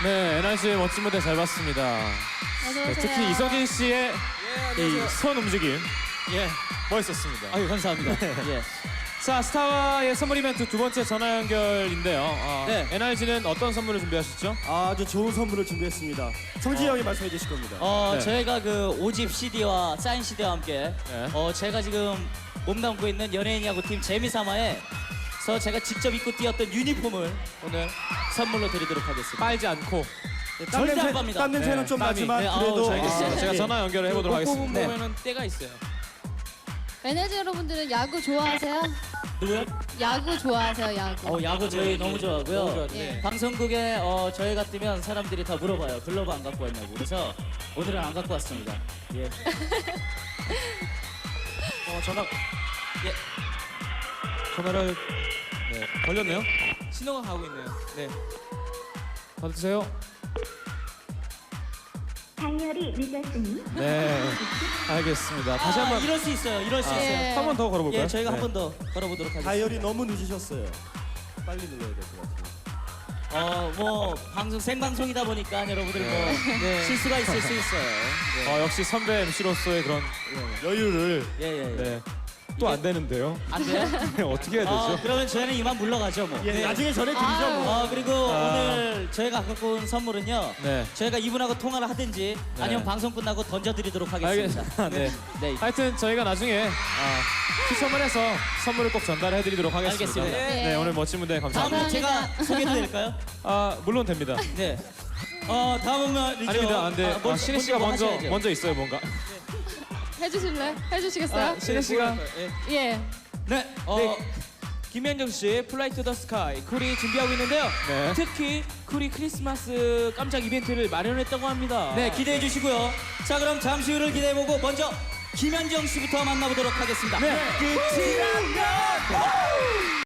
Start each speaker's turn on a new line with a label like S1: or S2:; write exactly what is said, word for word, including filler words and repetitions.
S1: 네, 에나 씨의 멋진 무대 잘 봤습니다.
S2: 어서
S1: 네,
S2: 오세요.
S1: 특히 이석인 씨의
S3: 예,
S1: 이 손 움직임
S3: 예.
S1: 멋있었습니다.
S3: 아유, 감사합니다. 예.
S1: 자, 스타와의 선물 이벤트 두 번째 전화 연결인데요. 어,
S3: 네.
S1: 엔알지는 어떤 선물을 준비하셨죠?
S4: 아주 좋은 선물을 준비했습니다. 성진이 형이 말씀해 주실 겁니다.
S3: 어,
S1: 네.
S3: 저희가 그 오집 씨디와 사인 씨디와 함께
S1: 네.
S3: 어, 제가 지금 몸담고 있는 연예인 야구팀 재미삼아에서 제가 직접 입고 뛰었던 유니폼을 오늘 선물로 드리도록 하겠습니다.
S1: 빨지 않고.
S4: 땀
S3: 절대 안
S4: 냄새,
S3: 팝니다.
S4: 땀 냄새는
S1: 네,
S4: 좀
S1: 땀이.
S4: 나지만
S3: 네, 아우,
S4: 그래도
S3: 잘 알겠습니다.
S4: 아,
S1: 제가
S4: 예.
S1: 전화 연결을 해보도록 하겠습니다.
S3: 네.
S5: 보면은 때가 있어요.
S2: 에너지 여러분들은 야구 좋아하세요?
S3: 누구요?
S2: 야구 좋아하세요, 야구.
S3: 어, 야구 저희 너무 좋아하고요.
S5: 너무 좋아하죠.
S2: 예.
S3: 방송국에 어, 저희가 뛰면 사람들이 다 물어봐요. 글러브 안 갖고 왔냐고. 그래서 오늘은 안 갖고 왔습니다. 예.
S1: 어, 전화,
S3: 예.
S1: 전화를 네, 걸렸네요.
S5: 신호가 가고 있네요. 네.
S1: 받으세요.
S6: 다이얼이 늦었으니
S1: 네, 알겠습니다. 다시
S3: 아,
S1: 한번
S3: 이럴 수 있어요. 이럴 수
S1: 아,
S3: 있어요.
S2: 예.
S1: 한 번 더 걸어볼까요?
S3: 예, 저희가
S1: 네.
S3: 한 번 더 걸어보도록 하겠습니다.
S4: 다이얼이 너무 늦으셨어요. 빨리 눌러야 될 것 같아요.
S3: 어, 뭐 방송 생방송이다 보니까 여러분들 뭐
S5: 네.
S3: 실수가 있을 수 있어요.
S1: 어, 역시 선배 엠씨로서의 그런 여유를
S3: 예, 예, 예.
S1: 네, 또 안 되는데요.
S3: 안 돼요?
S1: 네, 어떻게 해야
S3: 어,
S1: 되죠?
S3: 그러면 저희는 이만 물러가죠, 뭐.
S4: 예, 나중에 전해드리죠.
S2: 아.
S4: 뭐.
S3: 어, 그리고
S1: 아.
S3: 오늘 저희가 갖고 온 선물은요.
S1: 네.
S3: 저희가 이분하고 통화를 하든지
S1: 네.
S3: 아니면 방송 끝나고 던져드리도록 하겠습니다.
S1: 알겠습니다. 네.
S3: 네.
S1: 하여튼 저희가 나중에 아, 추첨을 해서 선물을 꼭 전달해드리도록 하겠습니다.
S3: 알겠습니다.
S2: 네.
S1: 네, 오늘 멋진 무대 감사합니다.
S3: 다음은 제가
S2: 감사합니다.
S3: 소개해도 될까요?
S1: 아, 물론 됩니다.
S3: 네. 어, 다음은 말이죠.
S1: 아닙니다. 안 돼.
S3: 아,
S1: 아, 신혜 씨가
S3: 뭐
S1: 먼저
S3: 하셔야죠.
S1: 먼저 있어요, 뭔가.
S2: 해주실래? 해주시겠어요?
S1: 아, 신혜 씨가
S2: 예.
S3: 네.
S5: 어,
S3: 네.
S5: 김현정 씨 플라이 투 더 스카이 쿨이 준비하고 있는데요.
S1: 네.
S5: 특히 쿨이 크리스마스 깜짝 이벤트를 마련했다고 합니다.
S3: 네, 기대해 주시고요. 자, 그럼 잠시 후를 기대해 보고 먼저 김현정 씨부터 만나보도록 하겠습니다.
S5: 네.
S3: 끝이란 것.